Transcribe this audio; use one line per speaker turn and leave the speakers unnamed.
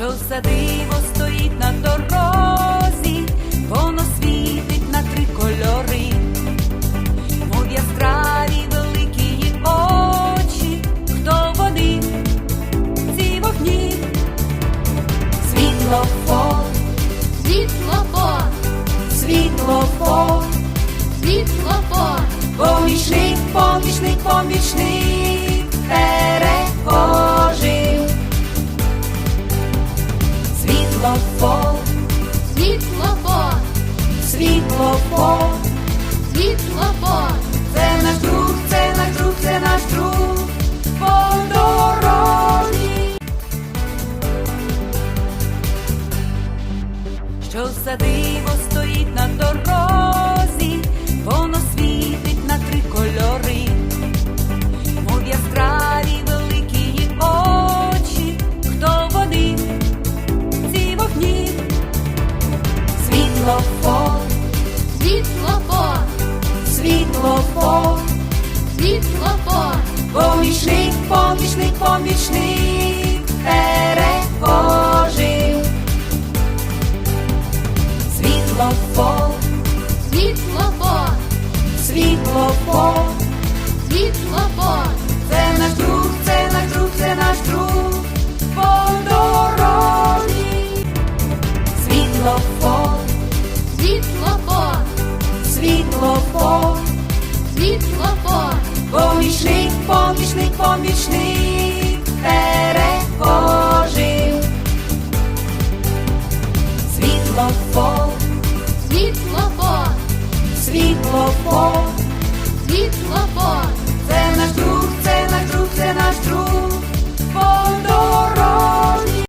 Що за диво стоїть на дорозі, воно світить на 3 кольори, мов яскраві великі її очі. Хто вони, ці вогні? Світлофор,
Світлофор,
світлофор,
світлофор,
помічник, помічник, помічник перехожим. Світлофор,
світлофор,
світлофор,
світлофор,
це наш друг, це наш друг, це наш друг по дорозі. Що за диво стоїть на дорозі, воно світить на 3 кольори, мов яскраві великі її очі. Хто вони, ці вогні? Світлофор,
світлофор,
світлофор,
світлофор,
помічник, помічник, помічник перехожим. Світлофор,
світлофор,
світлофор,
світлофор,
це наш друг, це наш друг, це наш друг по дорозі. Світлофор,
світлофор,
світлофор,
світлофор,
помічник, помічник, помічник перехожим. Світлофор,
світлофор,
світлофор,
світлофор,